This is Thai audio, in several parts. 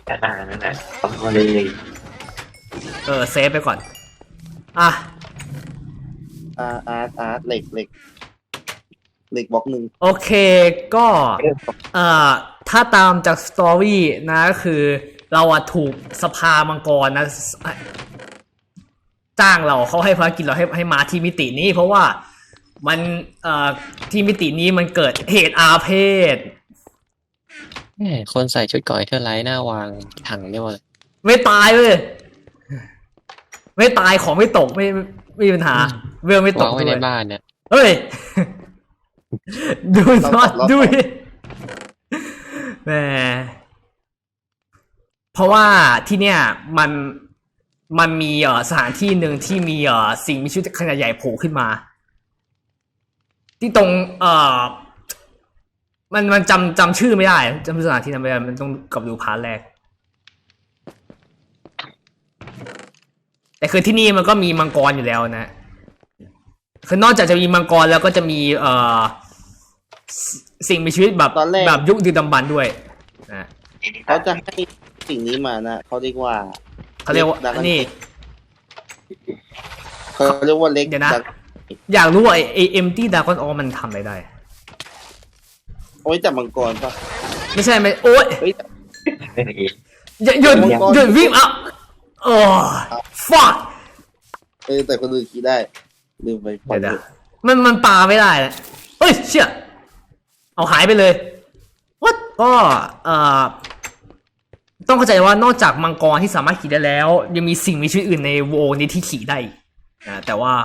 นั่นแหละเอาเลยเซฟไปก่อนอ่ะอาร์ตเหล็กบล็อกหนึ่งโอเคก็ถ้าตามจากสตอรี่นะก็คือเราอะถูกสภามังกรนะจ้างเราเขาให้ภารกิจเราให้มาที่มิตินี้เพราะว่ามันที่มิตินี้มันเกิดเหตุอาเพศคนใส่ชุดก่อยเทอร์ไลท์หน้าวางถังเนี่ยหมดเลยไม่ตายเลยไม่ตายของไม่ตกไม่มีปัญหาเวลไม่ตกวางไว้ในบ้านเนี่ยเฮ้ยดูนอตดูแหมเพราะว่าที่เนี่ยมันมีสถานที่หนึ่งที่มีสิ่งมีชีวิตขนาดใหญ่โผล่ขึ้นมาที่ตรงมันจำชื่อไม่ได้จำสถานที่นั้นไม่ได้มันต้องกลับดูพาร์ทแรกแต่คือที่นี่มันก็มีมังกรอยู่แล้วนะคือนอกจากจะมีมังกรแล้วก็จะมีสิ่งมีชีวิตแบบยุคดึกดำบรรพ์ด้วยนะเขาจะให้สิ่งนี้มานะเขาเรียกว่านี่เขาเรียกว่าเล็กเดี๋ยวนะอยากรู้ว่าไอเอ็มตี้ดากอนออมันทำอะไรได้โอ้ยจับมังกรปะไม่ใช่ไม่โอ๊ยหยุดวิ่งอ่ะโอ้ fuck แต่คนอื่นคิดได้ลืมไปเดี๋ยวมันปาไม่ได้เลยเฮ้ยเชี่ยเอาหายไปเลยวัดก็ต้องเข้าใจว่านอกจากมังกรที่สามารถขี่ได้แล้วยังมีสิ่งมีชีวิตอื่นในโวนี้ที่ขี่ได้นะแต่ว่า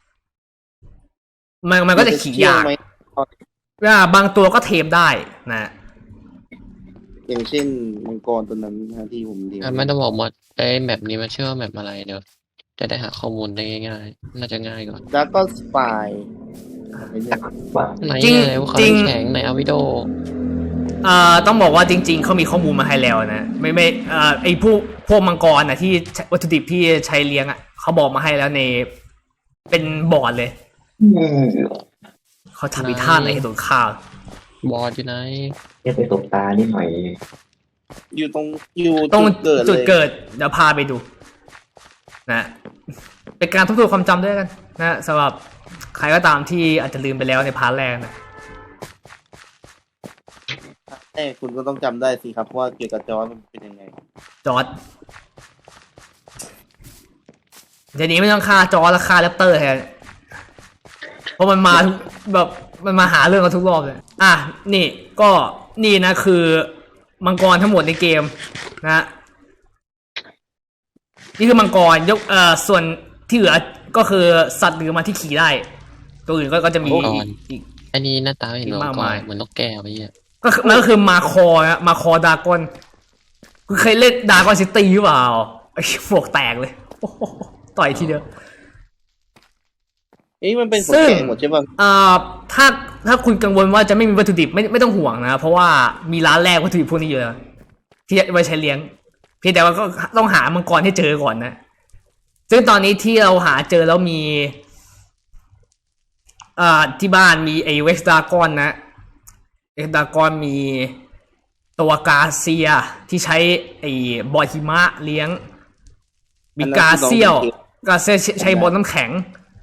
มันก็จะขี่ยากบางตัวก็เทมได้นะอย่างเช่นมังกรตัวนั้นที่ผมเรียนมันจะบอกหมดไอ้แมปนี้มันชื่อว่าแมปอะไรเดี๋ยวจะได้หาข้อมูลได้ง่ายๆน่าจะง่ายก่อนแล้วก็สปายไหนว่าเขาแข็งไหนอาวิโดต้องบอกว่าจริงๆเขามีข้อมูลมาให้แล้วนะไม่ไอพวกมังกรนะที่วัตถุดิบที่ใช้เลี้ยงอ่ะเขาบอกมาให้แล้วในเป็นบอร์ดเลยเขาทำอีท่าไหนให้โดนฆ่าบอร์ดอยู่ไหนไปตบตานิดหน่อยอยู่ตรงจุดเกิดเดี๋ยวพาไปดูนะเป็นการทบทวนความจำด้วยกันนะสำหรับใครก็ตามที่อาจจะลืมไปแล้วในพาร์ทแรกนะคุณก็ต้องจำได้สิครับว่าเกี่ยวกับจอร์จมันเป็นยังไงจอร์จเดี๋ยวนี้ไม่ต้องฆ่าจอร์จแล้วฆ่าแรปเตอร์แทนเพราะมันมาแบบมันมาหาเรื่องกันทุกรอบเลยนี่ก็นี่นะคือมังกรทั้งหมดในเกมนะนี่คือมังกรยกส่วนที่เหลือก็คือสัตว์หรือมาที่ขี่ได้ตัวอื่นก็จะมีอีกอันนี้หน้าตาเห็นมากมายเหมือนนกแก้วไปเนี่ยมันก็คือมาคอดากอนคุณเคยเล่นดากอนซิตี้หรือเปล่าไอ้พวกแตกเลยต่อยทีเดียวมันเป็นผลแกงหมดใช่ป่ะถ้าคุณกังวลว่าจะไม่มีวัตถุดิบไม่ต้องห่วงนะเพราะว่ามีร้านแรกวัตถุดิบพวกนี้อยู่แล้วที่ไว้ใช้เลี้ยงเพียงแต่ว่าก็ต้องหามังกรให้เจอก่อนนะซึ่งตอนนี้ที่เราหาเจอแล้วมีที่บ้านมีไอเวสดากอนนะเวสดากอนมีตัวกาเซียที่ใช้ไอบอลหิมะเลี้ยงมีกาเซียใช้บอลน้ำแข็ง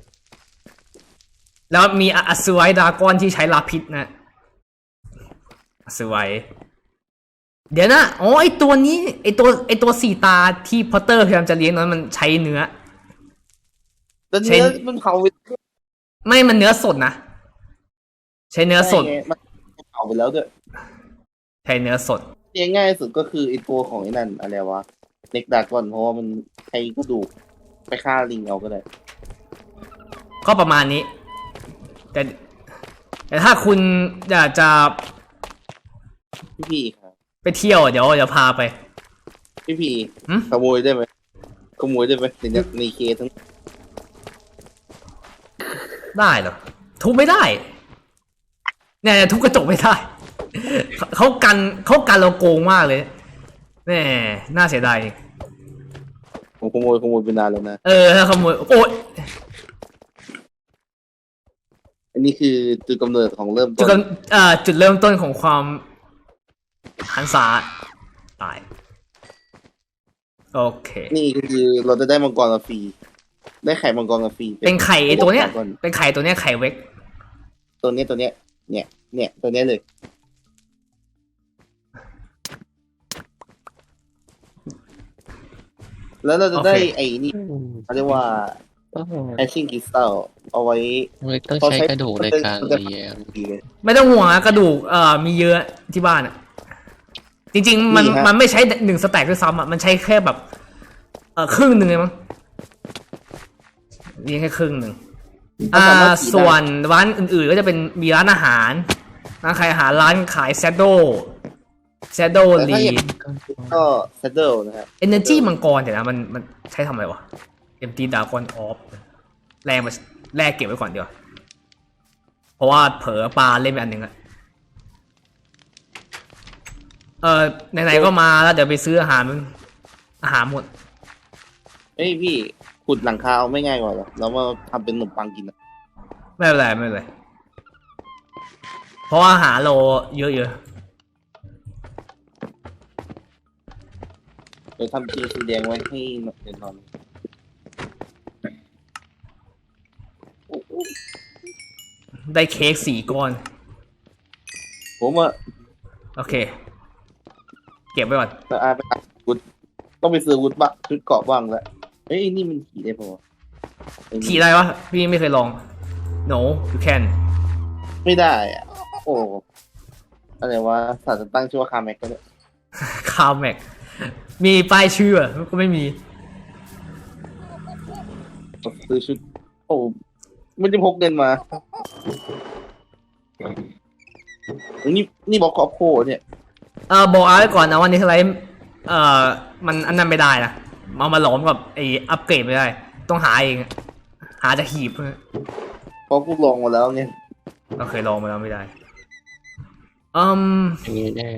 แล้วมีอัศวัยดากอนที่ใช้ลาพิษนะอัศวัยเดี๋ยวนะไอตัวนี้ไอตัวสี่ตาที่พอตเตอร์พยายามจะเลี้ยงนั้นมันใช้เนื้อใช้มันเผาไม่มันเนื้อสดนะใช้เนื้อสดมันเผาไปแล้วด้วยใช้เนื้อสดง่ายสุดก็คือไอตัวของไอ้นั่นอะไรวะเน็กดากอนเพราะว่ามันใช้กระดูกไปฆ่าลิงเอาก็ได้ก็ประมาณนี้แต่ถ้าคุณอยากจะพี่ครับไปเที่ยวเดี๋ยวพาไปพี่ขโมยได้ไหมในเคสทั้งได้เหรอทุบไม่ได้เนี่ยทุบกระจกไม่ได้เขากันเราโกงมากเลยแม่น่าเสียดายผมขโมยไปนานแล้วนะถ้าขโมยโอ๊ยอันนี้คือจุดกำเนิดของเริ่มต้นจุดเริ่มต้นของความหันษาตายโอเคนี่คือเราจะได้มังกรมาฟรีได้ไข่มังกรมาฟรีเป็นไข่ไอตัวเนี้ยมังกรเป็นไข่ตัวเนี้ยไข่เวกตัวเนี้ยเนี่ยตัวเนี้ยเลย แล้วเราจะได้ไอ้นี่เขาเรียกว่าต้องแอชชิ่งคริสตัลเอาไว้ต้องใช้กระดูกในการเลี้ยงดีเลยไม่ต้องห่วงนะกระดูกมีเยอะที่บ้านอ่ะ จริงๆมันนี่ฮะมันไม่ใช้1 สแต็กด้วยซ้ำอ่ะมันใช้แค่แบบครึ่งหนึ่งเลยมั้งเลี้ยงแค่ครึ่งหนึ่งส่วนร้านอื่นๆก็จะเป็นมีร้านอาหารร้านขายอาหารร้านขายแซดโดลีก็เซตเดิลนะครับ Energy มังกรเดี๋ยวนะมันใช้ทำอะไรวะ Empty Dragon Orb แลกเก็บไว้ก่อนดีกว่าเพราะว่าเผลอปลาเล่นไปอันหนึ่งอะไหนๆก็มาแล้วเดี๋ยวไปซื้ออาหารหมดเฮ้ยพี่ขุดหลังคาเอาไม่ง่ายกว่าหรอแล้วมาทำเป็นขนมปังกินอะไม่เป็นไรเพราะว่าอาหารเราเยอะเดี๋ยวทำจีสีแดงไว้ให้เดี๋ยวนอนๆได้เค้ก4 ก้อนผมอะโอเค เก็บไว้ก่อนจะอาไปหาวุฒต้องไปซื้อวุฒบ้างชุดเกราะบ้างแล้วเฮ้ยนี่มันขี่ได้ปะวะไอ้นี่ขี่ได้วะพี่ไม่เคยลอง no you can ไม่ได้อะโอ้อะไรวะศาสตร์ตั้งชื่อว่าคาแม็กก็ได้คาแม็กมีป้ายชื่อก็ไม่มีซื้อชุดโอ้ไม่ได้พกเงินมานี่บอกครอบโคเนี่ยบอกเอาไว้ก่อนนะวันนี้อะไรมันอันนั้นไม่ได้นะเอามาหลอมกับไออัปเกรดไม่ได้ ต้องหาเองหาจากหีบเพราะกูลองมาแล้วไงเราเคยลองมาแล้วไม่ได้อย่างนี้แน่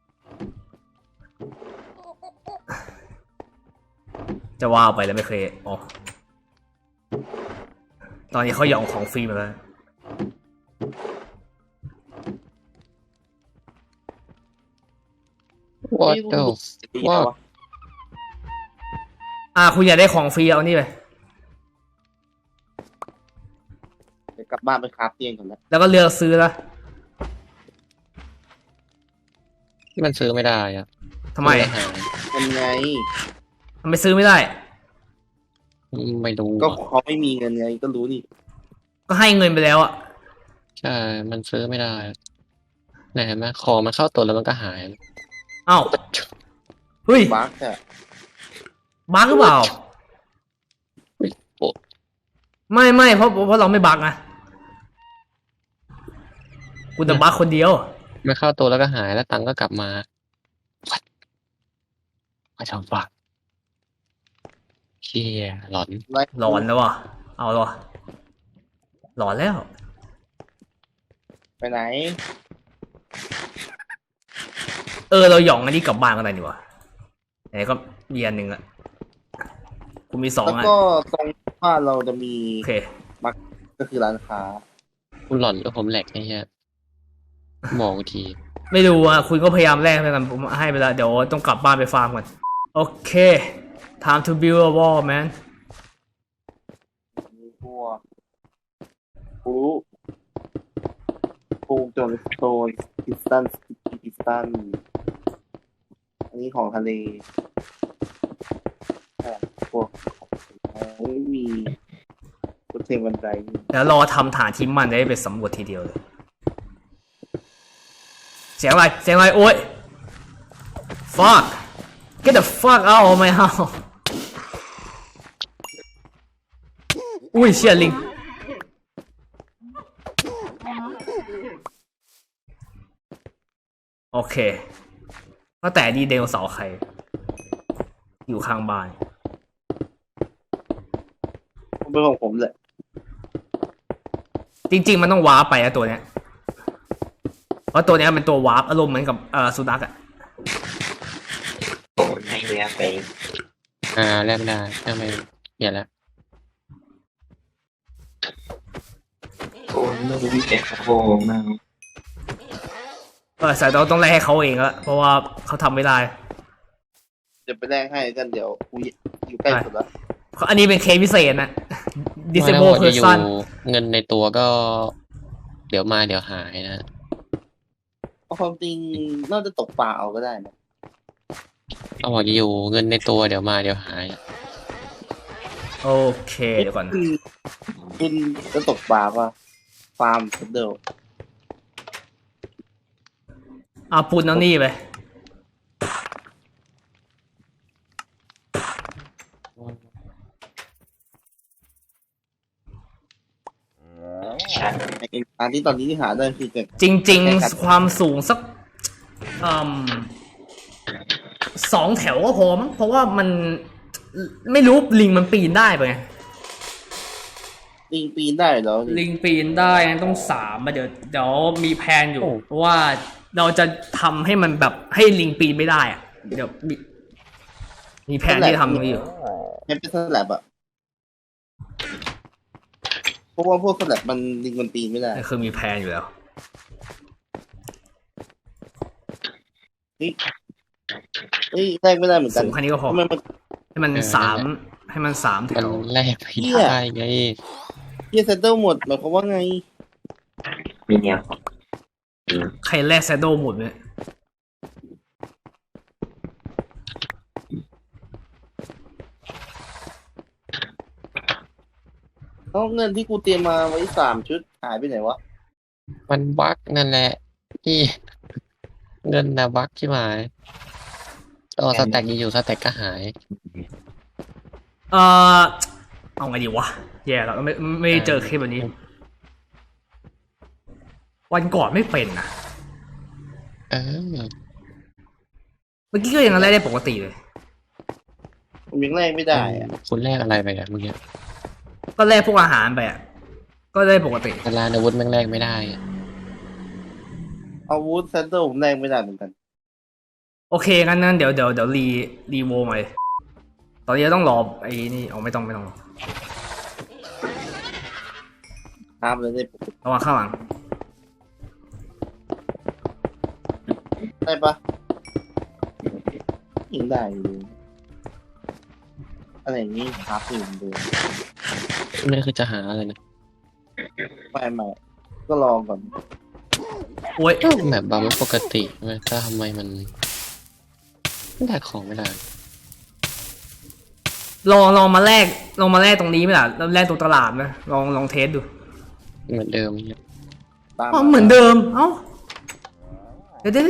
จะว่าไปแล้วไม่เคยอ๋อตอนนี้เขาหยองของฟรีมาแล้วว่านี่เจ้ารู้สึกดีนะวะคุณอยากได้ของฟรีเอานี่ไปเดี๋ยวกลับบ้านไปคราฟเตียงก่อนนะแล้วก็เลือกซื้อละที่มันซื้อไม่ได้อะทำไมซื้ออาหารเป็นไงทำไมซื้อไม่ได้ไม่รู้ก็เขาไม่มีเงินไงก็รู้นี่ก็ให้เงินไปแล้วอ่ะใช่มันซื้อไม่ได้ไหนเห็นไหมของมันเข้าตัวแล้วมันก็หายเอ้าเฮ้ยบั๊กอะบั๊กหรือเปล่าโอ้ไม่เพราะเราไม่บั๊กนะกูจะบั๊กคนเดียวไม่เข้าตัวแล้วก็หายแล้วตังค์ก็กลับมาไม่ทำฝักเชี่ยหลอนหลอนแล้วว่ะ เอาหรอหลอนแล้วไปไหนเราหย่องอันนี้กลับบ้านกันเลยดีกว่าไหนก็มีอันหนึ่งอะกูมี2 แล้วอันก็ตรงบ้านเราจะมีโอเคก็คือร้านค้าคุณหลอนหรือผมแหลกไอ้เหี้ยมองทีไม่รู้อ่ะคุณก็พยายามแลกไปกันผมให้ไปแล้วเดี๋ยวต้องกลับบ้านไปฟาร์มก่อนโอเค time to build a wall man มีพวกปูจนสโตนพิสตันอันนี้ของทะเลพวกไม่มีกุเทงบันไดแล้วรอทำฐานที่มันได้ไปสำรวจทีเดียวเลยเสียงอะไรโอ๊ย fuck get the fuck out of my house อุ้ยเชี่ยลิงโอเคก็แต่ดีเดลเสาร์ใครอยู่ข้างบ้านเป็นของผมแหละจริงๆมันต้องวาร์ปไปนะตัวเนี้ยเพราะตัวเนี้ยเป็นตัววาร์ปอารมณ์เหมือนกับสุนัขอะโอ้ให้เนื้อไปแลกไม่ได้ทำไมเปลี่ยนแล้วโอ้ไม่รู้วิธีโอ้มากสายเราต้องไล่ให้เขาเองละเพราะว่าเขาทำไม่ได้จะไปแลกให้กันเดี๋ยวกูอยู่ใกล้สุดแล้วอันนี้เป็นเคสพิเศษนะไม่แล้ว disable จะอยู่ person เงินในตัวก็ เดี๋ยวมาเดี๋ยวหายนะเอาความจริงน่าจะตกปลาเอาก็ได้นะเอาบอกจะอยู่เงินในตัวเดี๋ยวมาเดี๋ยวหายโอเคเดี๋ยวก่อนคุณจะตกปลาป่ะฟาร์มเดิลเอาปูนเอานี่ไปชันไอ้การที่ตอนนี้ที่หาได้คือเกิดจริง ๆ ความสูงสัก2 แถวก็พอมั้งเพราะว่ามันไม่รู้ลิงมันปีนได้ปะไงลิงปีนได้เหรอลิงปีนได้งั้นต้อง3มาเดี๋ยวมีแผนอยู่เพราะว่าเราจะทำให้มันแบบให้ลิงปีนไม่ได้อะเดี๋ยวมีแผนที่ทำตรงนี้อยู่ให้เป็นสลับอะเพราะว่าพวกสลับมันลิงมันปีนไม่ได้คือมีแผนอยู่แล้วเอ้ยแลกไม่ได้เหมือนกันสูงแค่นี้ก็พอทำไมมันให้มันเออ 3ให้มัน3 แถมันวแลกไม่ได้ไงเฮียเซตเตอร์หมดหมายความว่าไงมีแนวของใครแลกแซดโดหมดเนี่ยแล้วเงินที่กูเตรียมมาไว้3 ชุดหายไปไหนวะมันบั๊กนั่นแหละที่ เงินนะบั๊กใช่ไหมต่อสแต็กอยู่สแต็กก็หายเออเอาไงดีวะแย่แล้วไม่ได้เจอคลิปแบบนี้ วันก่อนไม่เป็นนะเออเมื่อกี้ก็ยังแลกได้ปกติเลยผมยังแลกไม่ได้อะคุณแลกอะไรไปอะเมื่อกี้ก็แลกพวกอาหารไปอ่ะก็ได้ปกติแต่ร้านอาวุธแม่งแลกไม่ได้อะอาวุธเซตเตอร์ผมแลกไม่ได้เหมือนกันโอเคงั้นเดี๋ยวรีโวใหม่ตอนนี้ต้องรอไอ้นี่เอาไม่ต้องรอห้ามเลยได้ปกติระวังข้างหลังได้ปะยิงได้อยู่อะไรอย่างนี้ครับอยู่เหมือนเดิมนี่คือจะหาอะไรนะไม่ก็ลองก่อนโอ้ยแบบบาร์ไม่ปกติใช่ไหมถ้าทำไมมันแลกของไม่ได้ลองมาแลกตรงนี้ไหมล่ะแล้วแลกตรงตลาดไหมลองเทสดูเหมือนเดิมเนี่ยตามอ๋อเหมือนเดิมเอ้าเดี๋ยว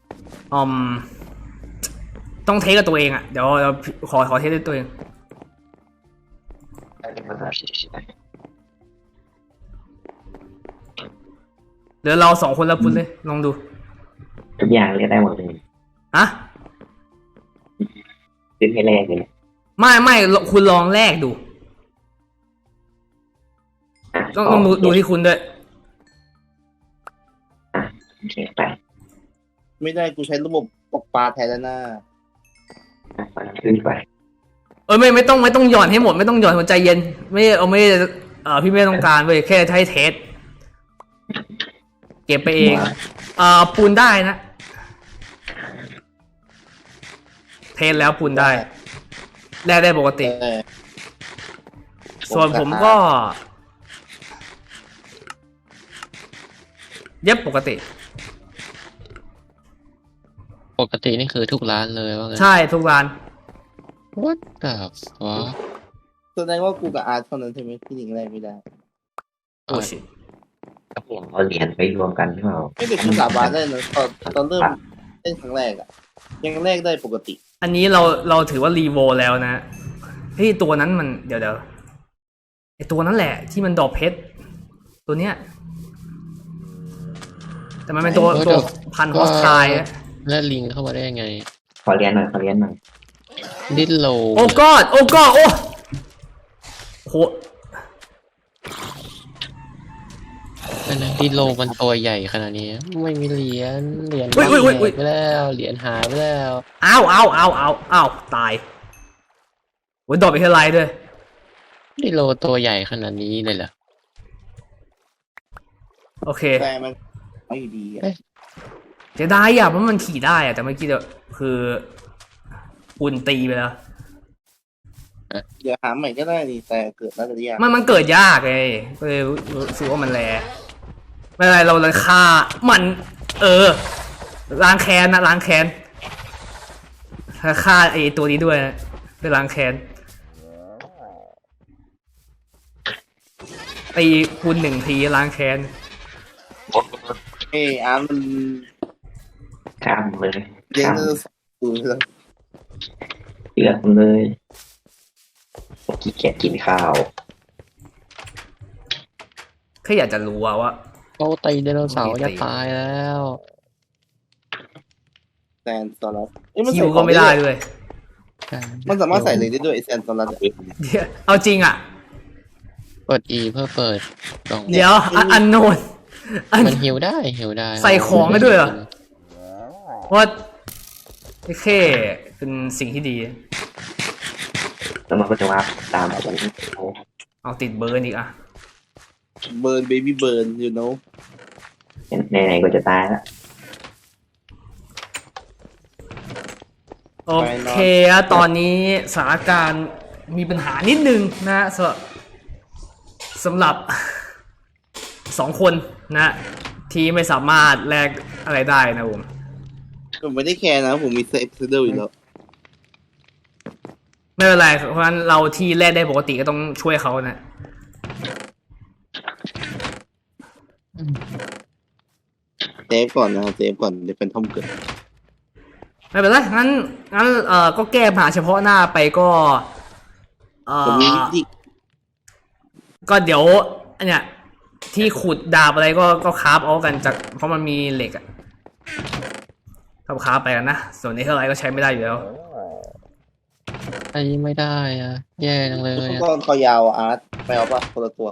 ต้องเทสกับตัวเองอ่ะเดี๋ยวขอเทสด้วยตัวเองเป็นภาษาชิดเดี๋ยวเรา2 คนแล้วคุณเลยลองดูทุกอย่างเรียกได้หมดเลยอะซื้อให้แรกเลยไม่คุณลองแลกดูอ่ะต้องดูที่คุณด้วยโอเคไปไม่ได้กูใช้ระบบตกปลาแทนแล้วนะฟังขึ้นไปไม่ต้องหย่อนให้หมดไม่ต้องหย่อนหัวใจเย็นไม่พี่ไม่ต้องการเว้ยแค่ให้เทสเก็บไปเองปูนได้นะเทสแล้วปูนได้แลกได้ปกติแต่ส่วนผมก็เย็บปกติปกตินี่คือทุกร้านเลยว่าไงใช่ทุกร้าน What the fuck แสดงว่ากูกับอาร์ตเท่านั้นใช่ไหมที่ยิงแรกไม่ได้โอ้ชิก็เปลี่ยนเอาเหรียญไปรวมกันใช่เปล่าไม่เป็นกูสาบานได้นะตอนเริ่มเล่นครั้งแรกอะยังแรกได้ปกติอันนี้เราถือว่ารีโวแล้วนะเฮ้ยตัวนั้นมันเดี๋ยวไอตัวนั้นแหละที่มันดอกเพชรตัวเนี้ยแต่มันเป็นตัวพันฮอสไทล์อะแล้วลิงเข้ามาได้ยังไงขอเหรียญหน่อยดิ้นโลโอ้กอดโอ้โหอันนั้นดิ้นโลมันตัวใหญ่ขนาดนี้ ไม่มีเหรียญแหกไปแล้วเหรียญหายไปแล้วอ้าวตายโอ้ยดอกไปเท่าไรด้วยดิ้นโลตัวใหญ่ขนาดนี้เลยเหรอโอเคแต่มันไม่ดีอะเสียดายอ่ะเพราะมันขี่ได้อ่ะแต่เมื่อกี้คือคุณตีไปแล้วเดี๋ยวหาใหม่ก็ได้นี่แต่เกิดน่าจะยากมันเกิดยากไงก็เลยรู้สึกว่ามันแรไม่เป็นไรเราเลยฆ่ามันล้างแค้นนะล้างแค้นฆ่าไอ้ตัวนี้ด้วยนะไปล้างแค้นตีคูณ1 ทีล้างแค้นอาร์ตมันข้ามเลยเลี้ยงข้ามเนื้อสูงเลยเลือดเลยขี้เกียจกินข้าวแค่อยากจะรู้ว่าเขาตีไดโนเสาร์จะตายแล้วแซนตอรัสมันคิใส่วขก็องไม่ได้ด้วยมันสามารถใส่เลยได้ด้วยไอแซนตอรัสเดี๋ยวเอาจริงอ่ะเปิด E เพื่อเปิดกล่องเดี๋ยวอันโนนมันหิวได้ใส่ของได้ด้วยเหรอ เพราะว่าแค่เป็นสิ่งที่ดีแล้วมันก็จะว่าตามผมเอาติดเบอร์อีกอ่ะเบิร์นเบบี้เบิร์นyou know ไหนๆก็จะตายแล้วโอเคอะตอนนี้สถานการณ์มีปัญหานิดนึงนะสำหรับ 2 คนนะ ที่ไม่สามารถแลกอะไรได้นะผมผมไม่ได้แคร์นะผมมีเซฟเซอร์อยู่แล้วไม่เป็นไร เพราะฉะนั้นเราที่แลกได้ปกติก็ต้องช่วยเขานะเซฟก่อนนะเซฟก่อนเดี๋ยวเป็นทอมเกิดไม่เป็นไรงั้นก็แก้ปัญหาเฉพาะหน้าไปก็ผมมีวิธีก็เดี๋ยวอันเนี้ยที่ขุดดาบอะไรก็คราฟเอากันจากเพราะมันมีเหล็กอะคราฟไปกันนะ ส่วนนี้เท่าไรก็ใช้ไม่ได้อยู่แล้วใช้ไม่ได้อะแย่จังเลยทุกอะคนคอยาวอาร์ตไม่เอาปะคนละตัว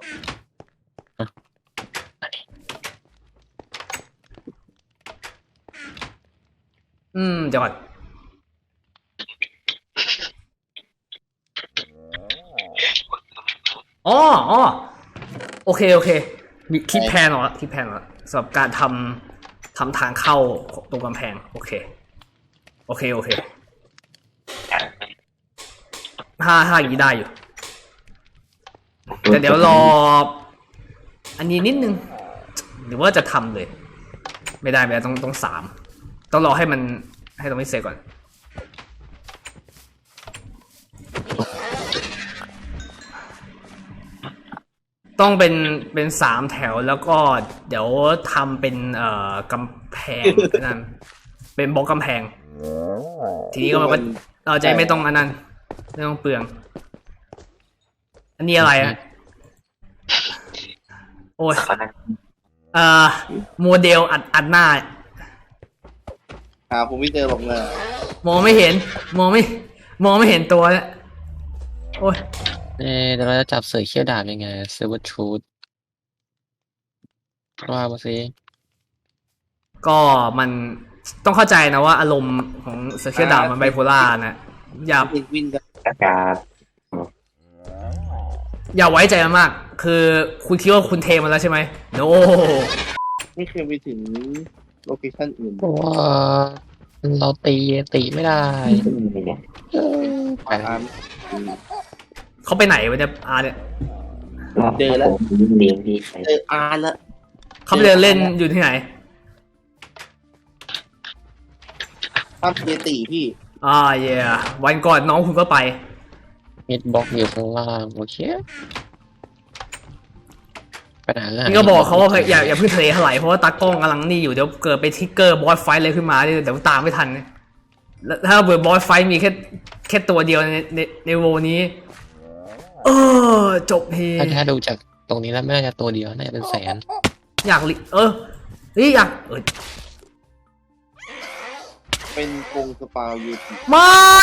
เดี๋ยวก่อนอ๋อโอเคมีคิดแผนเหรอสำหรับการทำทางเข้าตรงกำแพงโอเคถ้าอย่างนี้ได้อยู่แต่เดี๋ยวรออันนี้นิดนึงหรือว่าจะทำเลยไม่ได้ต้อง3ต้องรอให้ตรงนี้เสร็จก่อนต้องเป็น3 แถวแล้วก็เดี๋ยวทำเป็นกำแพงนั่นเป็นบล็อกกำแพงทีนี้ก็มันก็เราจะไม่ต้องอันนั้นไม่ต้องเปลืองอันนี้อะไรอ่ะโอ้ยโมเดลอัดหน้าผมไม่เจอหรอกนะมองไม่เห็นตัวเนี่ยโอ้ยเดี๋ยวเราจะจับเสือเขี้ยวดาบยังไงเซเวอร์ทรูธว่ามาสิก็มันต้องเข้าใจนะว่าอารมณ์ของเสือเขี้ยวดาบมันไบโพล่านะอย่าเอ็กวินกับอากาศอย่าไว้ใจมันมาก คือคุณคิดว่าคุณเทมันแล้วใช่ไหมโนไม่เคยไปถึงโลเคชั่นอื่นเพราะว่าเราตีไม่ได้เนี่ยไปอาร์ตเขาไปไหนวะเนี่ยเนี่ยเจอแล้วผมเลี้ยงดีไปเจออาร์ตแล้วเขาไปเดินเล่นอยู่ที่ไหนภาพเยติพี่เย่วันก่อนน้องคุณก็ไปมิดบล็อกอยู่ข้างล่างโอเคปัญหาง่ายนี่ก็บอกเขาว่าอย่าเพิ่งทะเลถลายเพราะว่าตากล้องกำลังนี่อยู่เดี๋ยวเกิดไปทิกเกอร์บอสไฟท์อะไรขึ้นมาเดี๋ยวตามไม่ทันแล้วถ้าเบิร์บอสไฟท์มีแค่ตัวเดียวในโวนี้จบเพถ้าดูจากตรงนี้แล้วไม่น่าจะตัวเดียวน่าจะเป็นแสนอยากอยากเป็นกรงสปาเยติไม่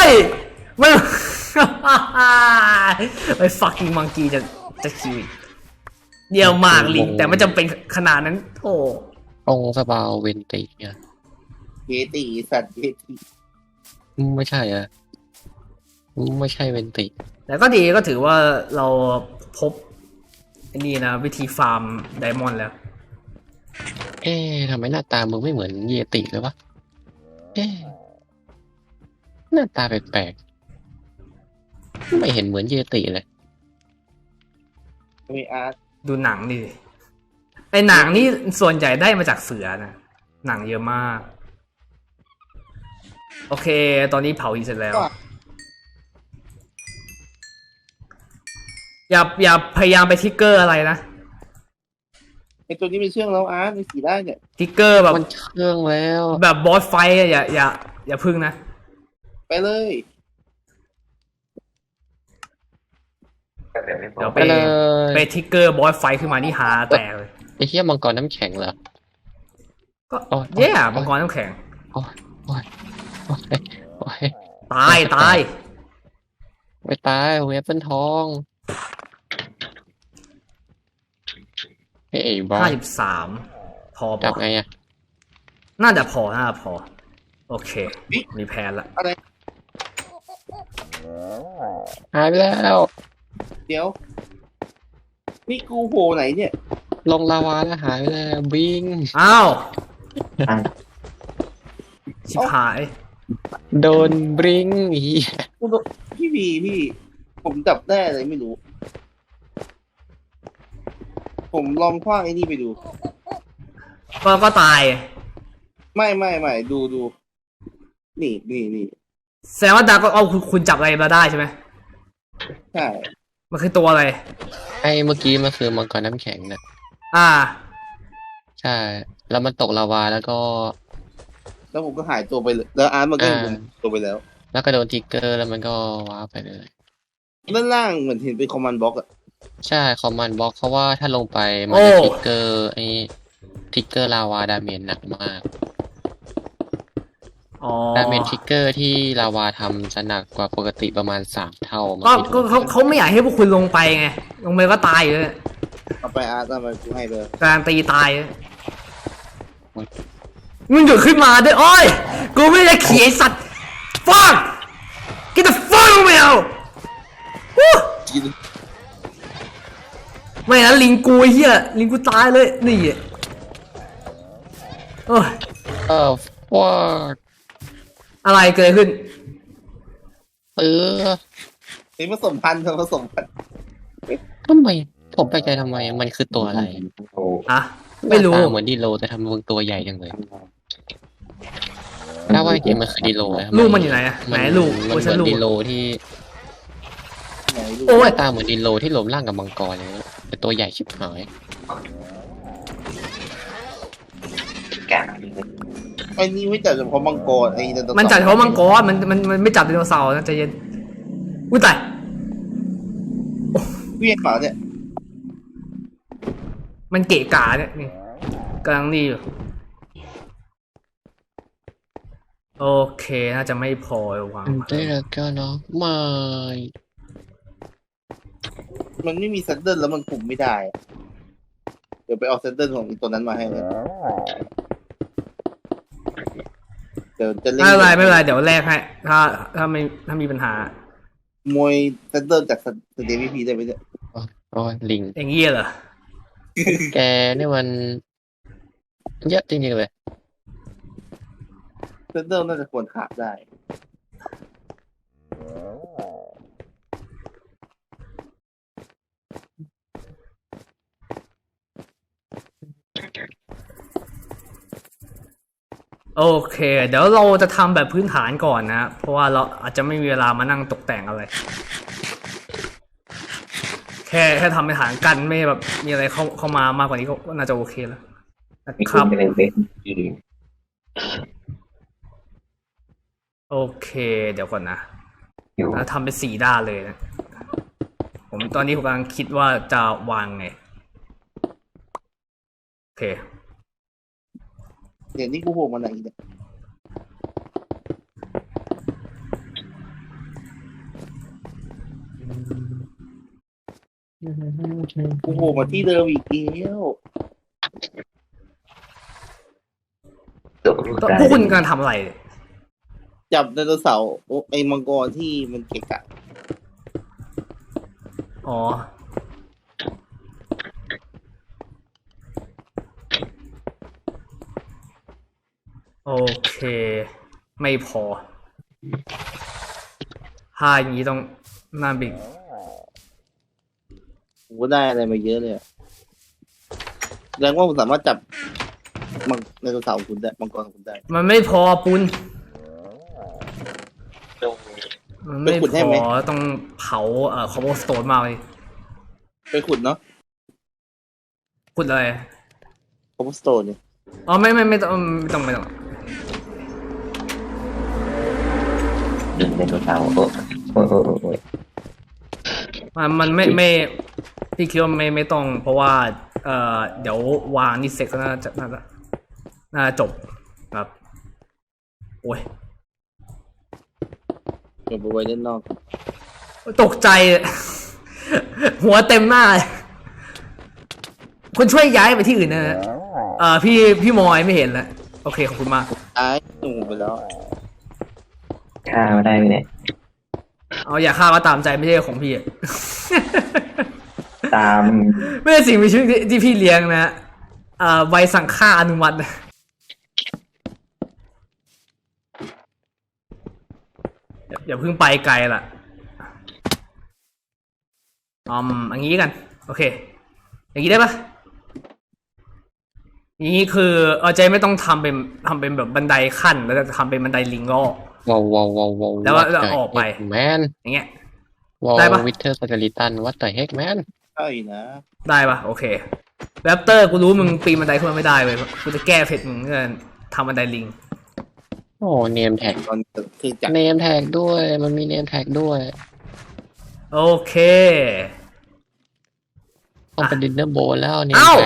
ไอ้ fucking monkey จะคิวอีกเดียวมากลิงแต่ไม่จำเป็นขนาดนั้นโอ้องค์สปาวเวนติเนี่ยเยติสัตว์เยติไม่ใช่อะไม่ใช่เวนติแต่ก็ดีก็ถือว่าเราพบอันนี้นะวิธีฟาร์มไดมอนด์แล้วทำไมหน้าตามึงไม่เหมือนเยติเลยวะหน้าตาแปลกๆไม่เห็นเหมือนเยติเลยมีอาร์ตดูหนังดิไอหนังนี่ส่วนใหญ่ได้มาจากเสือนะหนังเยอะมาก โอเค ตอนนี้เผาอีกเสร็จแล้ว อย่าพยายามไปทิกเกอร์อะไรนะไอตัวนี้มีเชื่องแล้วอาร์ตมีสีได้เนี่ยทิกเกอร์แบบมันเชื่องแล้วแบบบอสไฟท์อะอย่าพึ่งนะไปเลยเดี๋ยวไปเลยไปทิกเกอร์บอสไฟท์ขึ้นมานี่หาแตกเลยไอ้เหี้ยมังกรน้ำแข็งเหรอก็โอ้ยแย่มังกรน้ำแข็งโอ้ยโอ้ยโอ้ยโอ้ยตายไม่ตายเวฟเป็นทองเฮ้ยบอส 53 พอจับปะไงอะน่าจะพอ โอเค มีแผนละอะไรหายไปแล้วเดี๋ยว นี่กูโผล่ไหนเนี่ยลงลาวาแล้วหายไปแล้วบิงอ้าวอ่ะชิบหายโดนบริงอีกูโดนพี่ ผมจับได้อะไรไม่รู้ ผมลองคว้างไอ้นี่ไปดูก็ตายไม่ดู นี่แสดงว่าดาก็เอาคุณจับอะไรมาได้ใช่ไหมใช่มันคือตัวอะไรไอ้เมื่อกี้มันคือมังกรน้ำแข็งนะอ่าใช่ แล้วมันตกลาวาแล้วก็แล้วผมก็หายตัวไปเลย แล้วอาร์ตมันก็เห็นผมตัวไปแล้วแล้วก็โดนทิกเกอร์แล้วมันก็ว้าร์ปไปเลยด้านล่างเหมือนเห็นเป็นคอมมานด์บล็อกอะใช่คอมมานด์บล็อกเพราะว่าถ้าลงไปมันจะทิกเกอร์ไอ้ทิกเกอร์ลาวาดาเมจหนักมากอ๋อดาเมจทิกเกอร์ที่ลาวาทำจะหนักกว่าปกติประมาณ3 เท่ามันก็ไม่ก็ถูกเขาไม่อยากให้พวกคุณลงไปไง ลงไปก็ตายอยู่เลยเอาไปอาร์ตเอามากูให้เลยการตีตายเลยมึงหยุดขึ้นมาด้วยโอ้ย กูไม่ได้ขี่ไอสัตว์ fuck get the fuck away out วู้กินไม่นะลิงกูไอ้เหี้ยลิงกูตายเลยนี่โอ้ยว้าอะไรเกิดขึ้นนี่ผสมพันธุ์ทำไมผมไปใจทำไมมันคือตัวอะไรโอ้อ่ะ ไม่รู้หน้าตาเหมือนดีโลแต่ทำมึงตัวใหญ่จังเลยถ้าว่าจริงๆมันคือดีโลนะลูกมันอยู่ไหนอะไหนลูกมันโอ้เหฉันมือนลูกดีโลที่ไหนดูโอ้หยน้าตาเหมือนดีโลที่รวมร่างกับมังกรเลยแต่ตัวใหญ่ชิบหายแกะไอ้นี่ไม่จับเฉพาะมังกรไอ้ไดโนเสาร์มันจับเฉพาะมังกรมันไม่จับไดโนเสาร์นะใจเย็นอุ้ยตายเวียนเปล่าเนี่ยมันเกะกะเนี่ยนี่กำลังนี่อยู่โอเคน่าจะไม่พอวางได้แล้วก็เนาะไม่มันไม่มีเซนเดิลแล้วมันคุมไม่ได้อะเดี๋ยวไปเอาเซนเดิลของอีตัวนั้นมาให้เลยเดี๋ยวจะเล่นไม่เป็นไรเดี๋ยวแลกให้ถ้ามีปัญหามวยเซนเดิลจากสเตวีพีได้ไหมเนี่ยโอ้ยลิงอย่างเงี้ยเหรอแกนี่มันเยอะจริงๆเลยเซนเดิลน่าจะควรขาดได้โอเค เดี๋ยวเราจะทำแบบพื้นฐานก่อนนะ เพราะว่าเราอาจจะไม่มีเวลามานั่งตกแต่งอะไร แค่ทำเป็นฐานกันไม่แบบมีอะไรเข้ามามากกว่านี้ก็น่าจะโอเคแล้วนะมีคคุรัณบเป็นเบสอีโอเค เดี๋ยวก่อนนะอยู่แล้วทำเป็น4 ด้านเลยนะ ตอนนี้ผมกำลังคิดว่าจะวางไง โอเคเดี๋ยวนี้กูโผล่มาไหนเนี่ยกูโผล่มาที่เดิมอีกแล้วตัวลูกได้พวกคุณกำลังทำอะไรเนี่ยจับไดโนเสาร์ไอ้มังกรที่มันเกะกะอ๋อ โอเค ไม่พอผ้าอย่างนี้ต้องหน้าบิ๊กผมก็ได้อะไรมาเยอะเลยอะแสดงว่าผมสามารถจับมังไดโนเสาร์ของคุณได้มังกรของคุณได้มันไม่พอปุ้นมันไม่ไปขุดให้พไหมอต้องเผาคอมโบสโตนมาเลยไปขุดเนาะขุดเลยคอมสโตนเนี่ยอ๋อไม่ต้องดึงไดโนเสาร์โอ้โอ้ยมันไม่พี่คิดว่าไม่ต้อง เพราะว่าเดี๋ยววางนี่เสร็จก็น่าจะจบครับโอ้ยเก็บเอาไว้ด้านนอกตกใจ หัวเต็มหน้าเลยคุณช่วยย้ายไปที่อื่นนะฮะพี่มอยไม่เห็นแล้วโอเคขอบคุณมากตายหนูไปแล้วฆ่ามาได้ไหมเนี่ยเอาอย่าฆ่าก็ตามใจไม่ใช่ของพี่ตามไม่ใช่สิ่งมีชีวิตที่พี่เลี้ยงนะใบสั่งฆ่าอนุมัติอย่าเพิ่งไปไกลล่ะอย่างนี้กันโอเคอย่างนี้ได้ปะอย่างนี้คือใจไม่ต้องทำเป็นแบบบันไดขั้นแล้วจะทำเป็นบันไดลิงก็ว้าวแล้วออกไปแมนอย่างเงี้ยว้าวได้ปะวิเทอร์สเกลิตันวัดต่อยเฮกแมนใช่นะได้ปะโอเคแรปเตอร์กูรู้มึงปีนบันไดขึ้นมาไม่ได้เลยกูจะแก้เผ็ดมึงเพื่อทำบันไดลิงโอ้เนมแท็กตอนคือจับเนมแท็กด้วยมันมีเนมแท็กด้วยโอเคต้องเป็นดินเนอร์โบนแล้วเนมเอ้าแท็ก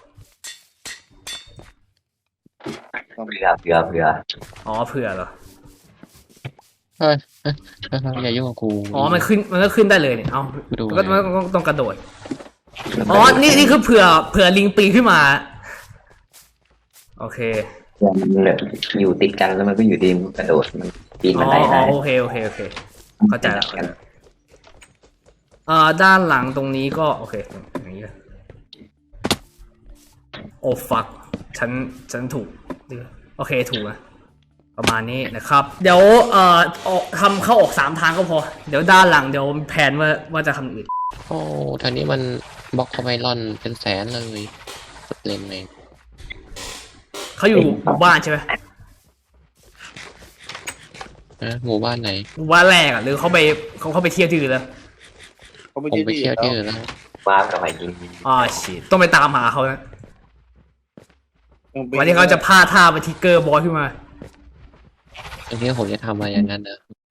เผื่ออ๋อเผื่อเหรอเฮ้ยอย่ายุ่งกับกูอ๋อมันก็ขึ้นได้เลยเนี่ยเอาดูมันก็ต้องกระโดดอ๋อนี่คือเผื่อลิงปีนขึ้นมาโอเคมันเลยอยู่ติดกันแล้วมันก็อยู่ดีมันกระโดดมันปีนอ๋บัอนไดได้โอเคเข้าใจแล้วด้านหลังตรงนี้ก็โอเคอย่างนี้เลยโอ้ฟักฉันถูกโอเคถูกนะประมาณนี้นะครับเดี๋ยวทำเข้าออก3 ทางก็พอเดี๋ยวด้านหลังเดี๋ยวแผนว่าจะทำอื่นโอ้ทางนี้มันบล็อกคอมไมลอนเป็นแสนเลยเล่นเองเขาอยู่หมู่บ้านใช่ไหมหมู่บ้านไหนหมู่บ้านแรกอ่ะหรือเขาไปเที่ยวที่อื่นแล้วเขาไม่ผมใช่ไปที่เที่ยวที่แล้วอื่นแล้วว้าวกับไอ้ยิงชิต้องไปตามหาเขานะวันที่เขาจะพาท่าไปทิกเกอร์บอลขึ้นมาอันนี้ผมจะทำอะไรอย่างนั้นนะ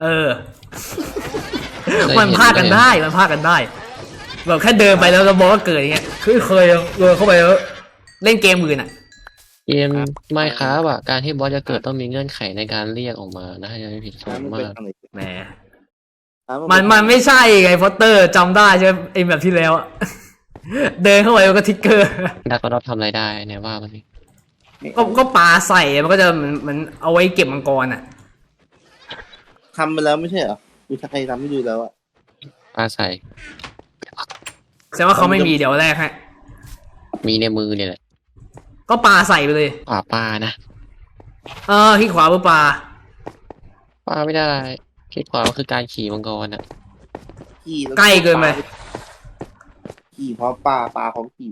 มันพากันได้แบบแค่เดินไปแล้วบอลก็เกิดอย่างเงี้ยเคยโดนเข้าไปแล้วเล่นเกมอื่นอ่ะเกมไมค์ครับอ่ะการที่บอสจะเกิดต้องมีเงื่อนไขในการเรียกออกมานะถ้าจะไม่ผิดสูงมันมาเป็นกทางไหนแหมมันไม่ใช่ไงพอตเตอร์จำได้ใช่ไหมไอ้แบบที่แล้วอะเดินเข้าไปแล้วก็ทิกเกอร์ดักก็รับทำอะไรได้เนี่ยว่ามันสิก็ปาใส่มันก็จะเหมือนเอาไว้เก็บมังกรอ่ะทำไปแล้วไม่ใช่เหรอดูใครทำให้ดูแล้วอะปลาใส่แสดงว่าเขาไม่มีเดี๋ยวแรกฮะมีในมือเนี่ยแหละก็ปาใส่ไปเลยขวาปลานะที่ขวาเพื่อปลาปลาไม่ได้คิดขวาก็คือการขี่มังกรอ่ะขี่แล้วใกล้เกินไปขี่เพราะปลาเพราะขี่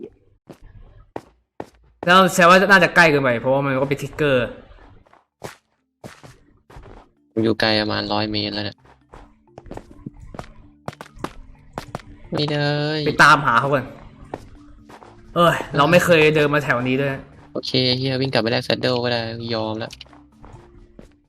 แล้วแสดงว่าน่าจะใกล้เกินไปเพราะว่ามันก็เป็นทิกเกอร์ผมอยู่ไกลประมาณ100 เมตรแล้วเนี่ยไม่ได้ไปตามหาเขาก่อนเราไม่เคยเดินมาแถวนี้ด้วยโอเคเฮียวิ่งกลับไปแลกแซดเดิลก็ได้ยอมแล้ว